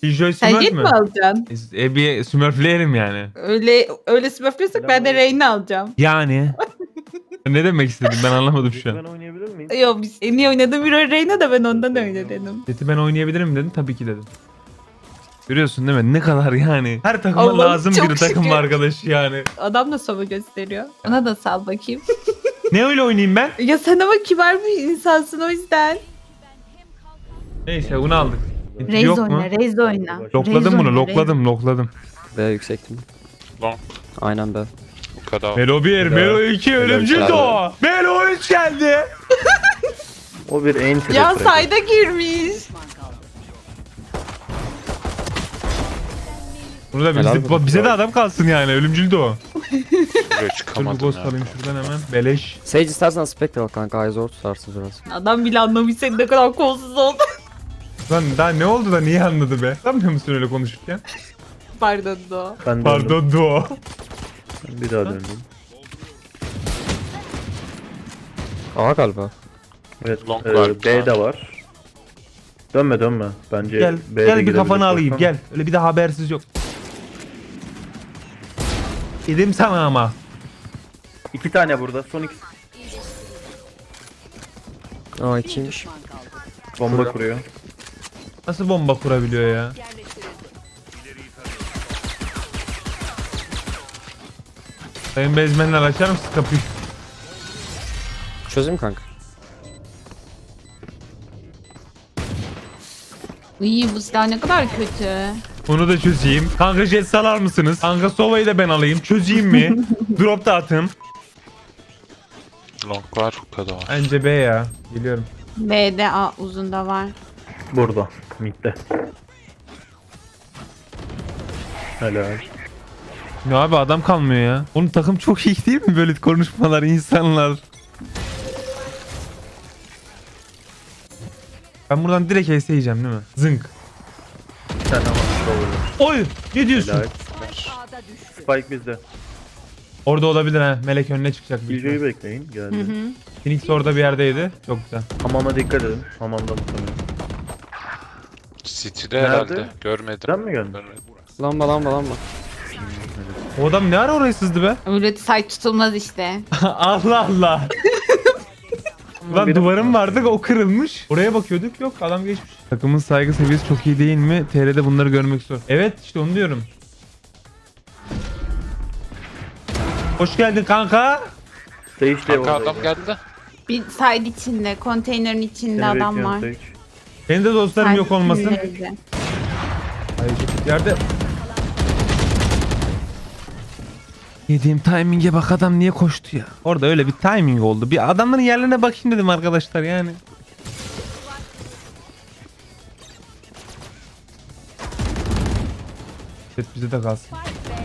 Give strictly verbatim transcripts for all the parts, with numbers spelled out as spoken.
Killjoy Sen Smurf jet mü? mi alacaksın? E bir Smurfleyelim yani. Öyle öyle smurflıyorsak ben de Reyna alacağım. Yani. Ne demek istedin ben anlamadım şu Ben an. oynayabilir miyim? Yo biz en iyi oynadığım bir Reyna da ben ondan öyle dedim. Jet'i ben oynayabilirim dedin tabii ki dedim. Görüyorsun değil mi? Ne kadar yani. Her takıma Allah'ım lazım çok bir takım şükür. arkadaşı yani. Adam da sova gösteriyor. Ona da sal bakayım. Ne öyle oynayayım ben? Ya sen ama kibar bir insansın o yüzden. Neyse bunu aldık. Reis Yok mu? oyna, Reis oyna. Lokladım Reis bunu, oyna, lokladım, lokladım. B yüksektim. Long. Aynen B. Bu kadar. Melo bir, Melo iki, ölümcül helal. doğa. Melo üç geldi. O bir en Reis. Ya sayda girmiş. Bunu da Helal bize, olsun. bize de adam kalsın yani, ölümcül doğa. Buraya Dur bir çıkamadım ghost ya. alayım şuradan hemen. Beleş. Sage istersen Spectre al kanka. Ay zor tutarsın biraz. Adam bile anlamış senin ne kadar kolsuz oldun. Lan daha ne oldu da niye anladı be? Sanmıyor musun öyle konuşurken? Pardon do. Ben döndüm. Pardon doğa. Bir daha döndüm. A galiba. Evet. Long e, var. B de var. Dönme dönme. Bence Gel, B'de gel bir gidebilir. kafanı alayım Baksana. gel. Öyle bir de habersiz yok. Dedim sana ama. İki tane burada. Son iki A ikiymiş. bomba kuruyor. Nasıl bomba kurabiliyor ya? Sayın bezmenler açar mısın kapıyı? Çözeyim kanka. İyi bu silah ne kadar kötü. Onu da çözeyim. Kanka jet salar mısınız? Kanka Sova'yı da ben alayım. Çözeyim mi? Drop da atın. Long var bu kadar. Bence B ya. Geliyorum. B'de A uzunda var. Burada. Mid'de. Helal. Ya abi adam kalmıyor ya. Onun takım çok iyi değil mi böyle konuşmalar insanlar? Ben buradan direkt S yiyeceğim değil mi? Zınk. Bir tane ama şurada. Oy! Ne diyorsun? Helal. Spike bizde. Orada olabilir ha. Melek önüne çıkacak. büyük Killjoy'u ihtimal. bekleyin. Hı Geldi. hı. Phoenix orada bir yerdeydi. Çok güzel. Hamama dikkat edin. Hamamda muhtemelen. City'de Nerede? herhalde. Görmedim. Sen mi geldin? Görmedim. Lamba lamba lamba. O adam ne ara oraya sızdı be? Öyle say tutulmaz işte. Allah Allah. Lan Benim- duvarım vardı o kırılmış. Oraya bakıyorduk yok adam geçmiş. Takımın saygı seviyesi çok iyi değil mi? T R'de bunları görmek zor. Evet işte onu diyorum. Hoş geldin kanka. Sage de Kanka oradaydı. adam geldi. Bir side içinde, konteynerin içinde Seni adam bekliyorum var. Sage. Benim de dostlarım Side yok olmasın. içindeydi. Hayır, yerde. Yediğim timing'e bak adam niye koştu ya. Orada öyle bir timing oldu. Bir adamların yerlerine bakayım dedim arkadaşlar yani. Evet bize de kalsın.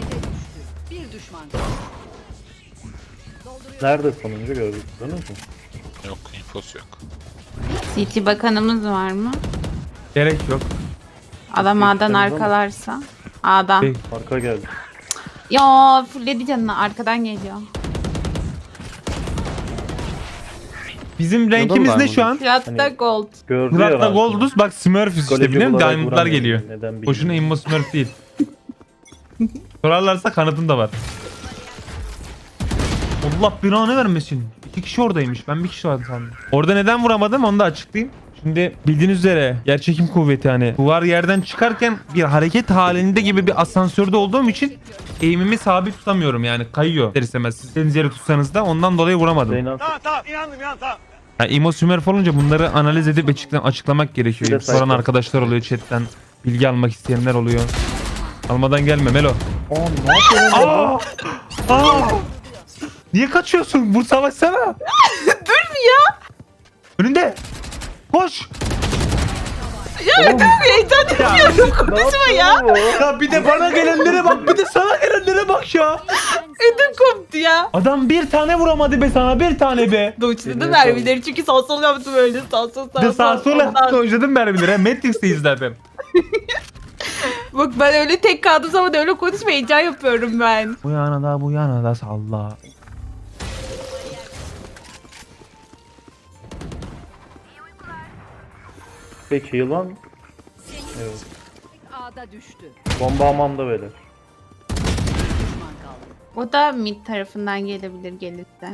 Nerede sonuncu gördük? Sanırız mı? Yok infosu yok. C T bakanımız var mı? Gerek yok. Adam A'dan Baksanıza mı? arkalarsa. A'dan. Şey, Arka geldi. Ya fulledi canını arkadan geliyor. Bizim renkimiz ne şu an? Fırat'ta Hani- gold. Gördü Murat'la ya. Golduz bak Smurfs işte Goleci biliyor musun? olarak Diamond'lar vuramıyor. geliyor. Neden bilmiyorum. Boşuna immo Smurf değil. Sorarlarsa kanıtım da var. Allah belanı vermesin. İki kişi oradaymış. Ben bir kişi vardı sandım. Orada neden vuramadım onu da açıklayayım. Şimdi bildiğiniz üzere yerçekim kuvveti hani duvar yerden çıkarken bir hareket halinde gibi bir asansörde olduğum için eğimimi sabit tutamıyorum yani kayıyor. İster istemez siz istediğiniz yere tutsanız da ondan dolayı vuramadım. Zeynep Yani immo Smurf olunca bunları analiz edip açıkla- açıklamak gerekiyor. Bir de Soran sayfa. arkadaşlar oluyor chatten. Bilgi almak isteyenler oluyor. Almadan gelme Melo. Aa ne yapıyorsun? Aa! Aa! Niye kaçıyorsun? Vur savaşsana. Dur ya. Önünde. Koş. Ya dur heyecan yapıyorum. Konuşma ya. Ya bir de bana gelenlere bak, bir de sana gelenlere bak ya. Ödüm koptu ya. Adam bir tane vuramadı be sana, bir tane be. Doğuçladı mermileri çünkü sağ sol yaptım öyle sağ sol sağ Bir de sol. sağa sola Ondan- dojladım mermileri. ha. Matrix'teyiz zaten. Bak ben öyle tek kaldım zaman öyle konuşma heyecan yapıyorum ben. Bu yana da bu yana da salla. Peki yılan. Evet. A'da düştü. Bomba hamamda böyle. Düşman kaldı. O da mid tarafından gelebilir gelirse.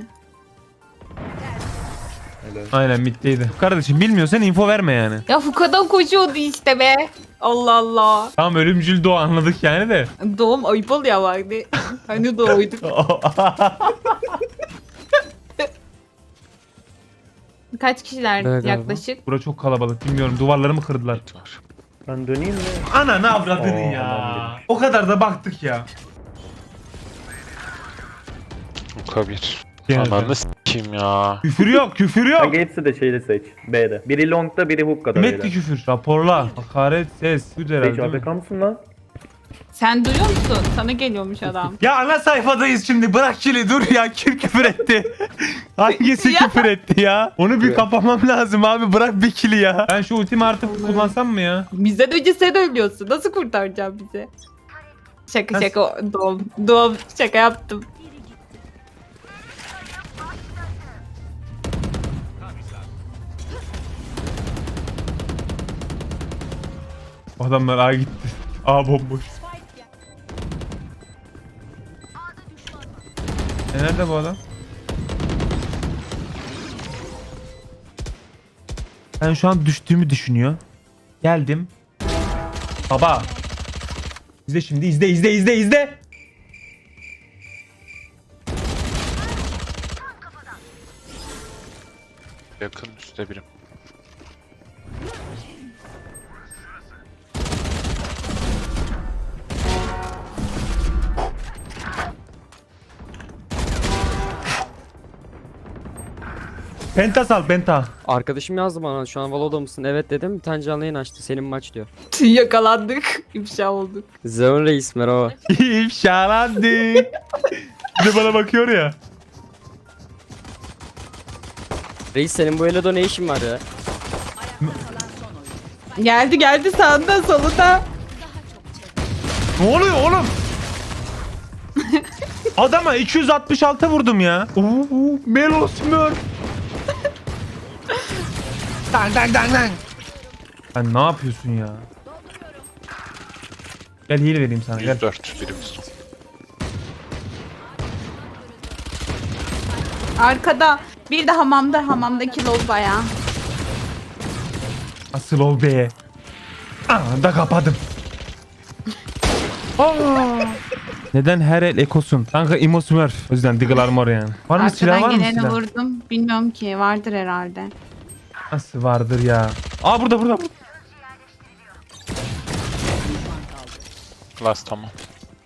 Öyle. Aynen middeydi. Kardeşim bilmiyorsan info verme yani. Ya Fuka'dan koşuyordu işte be. Allah Allah. Tamam ölümcül doğa anladık yani de. Doğum ayıp oluyor vardı. Hani doğuyduk. Kaç kişiler Evet, yaklaşık? Bura çok kalabalık bilmiyorum duvarları mı kırdılar? Var. Ben döneyim mi? Ana ne avradın Oo, ya. aman O kadar da baktık ya. Uka bir. Geldi. Ananı s**kim ya. Küfür yok küfür yok. Kanka hepsi de şeyde seç. B'de. Biri long'da biri hook'da Metti böyle. küfür. Raporla. Hakaret ses. Bu da herhalde Seç değil mi? A F K mısın lan? Sen duyuyor musun? Sana geliyormuş adam. Ya ana sayfadayız şimdi bırak kili dur ya kim küfür etti? Hangisi Ya. küfür etti ya? Onu bir kapamam lazım abi bırak bir kili ya. Ben şu ultimi artık kullansam mı ya? Bizden önce sen ölüyorsun. Nasıl kurtaracağım bizi? Şaka Nasıl? şaka doğum. Doğum şaka yaptım. Adamlar A gitti. A bomboş. E nerede bu adam? Ben şu an düştüğümü düşünüyor. Geldim. Baba. İzle şimdi izle izle izle izle. Yakın üstte birim. Penta sal penta. Arkadaşım yazdı bana şu an Valo'da mısın? Evet dedim. Bir tane canlı yayın açtı. Senin maç diyor. Yakalandık. İfşa olduk. Zeon Reis merhaba. İfşalandı. Bir de bana bakıyor ya. Reis senin bu Elo'da ne işin var ya? Geldi geldi sağında solunda. Ne oluyor oğlum? Adama iki yüz altmış altı vurdum ya. Oo, Melo Smurf. Dang dang dang dang. Sen ne yapıyorsun ya? Gel heal vereyim sana gel. yüz dört birimiz. Arkada bir de hamamda hamamdaki lob bayağı. Asıl ol be. Anında kapadım. Aa! Neden her el ekosun? Kanka Imo Smurf. O yüzden Diggle Armor yani. Var mı silah var Arkadan mı geleni silah? vurdum. Bilmiyorum ki vardır herhalde. Nasıl vardır ya? Aa burada burada. burada. Last tamam.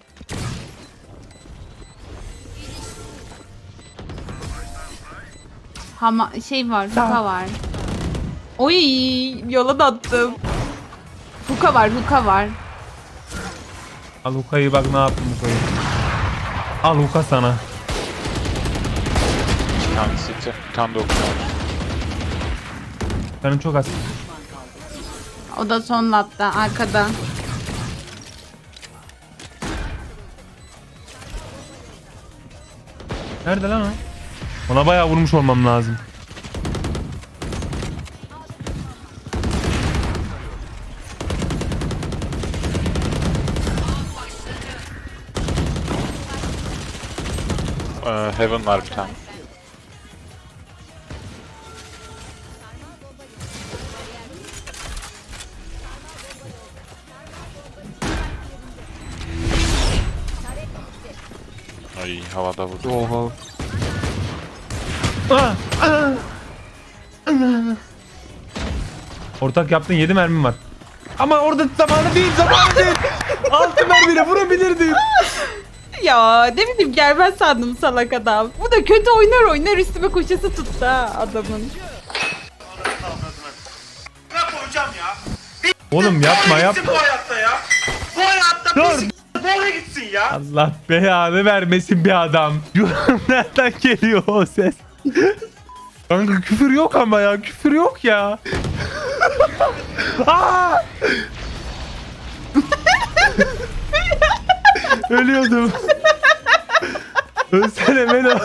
Hama şey var, Huka var. Oy, yola da attım. Huka var, Huka var. Al Huka'yı bak ne yaptım Huka'yı. Al Huka sana. Bir tane city. Bir tane de okuyor. Canım çok az. O da son latta, arkada. Nerede lan o? Ona bayağı vurmuş olmam lazım. Ee, Heaven var bir tane. Ay havada vurdu. Oha. Ah, ah, ah. Ortak yaptın yedi mermim var. Ama orada zamanı değil zamanı değil. altı mermiyle vurabilirdim. Ya ne bileyim gelmez sandım salak adam. Bu da kötü oynar oynar üstüme koşası tuttu ha adamın. Oğlum yapma yapma. Bu hayatta ya. Bu hayatta Dur. pis doğru gitsin ya. Allah belanı vermesin bir adam. Nereden geliyor o ses? Kanka küfür yok ama ya küfür yok ya. Aa! Ölüyordum. Ölsene Melo.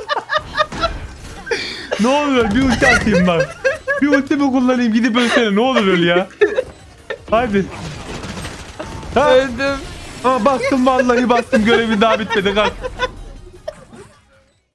Ne olur bir ulti atayım bak. Bir ulti mi kullanayım gidip ölsene ne olur öl ya. Hadi. Öldüm. Aa, bastım vallahi bastım görevin daha bitmedi kalk.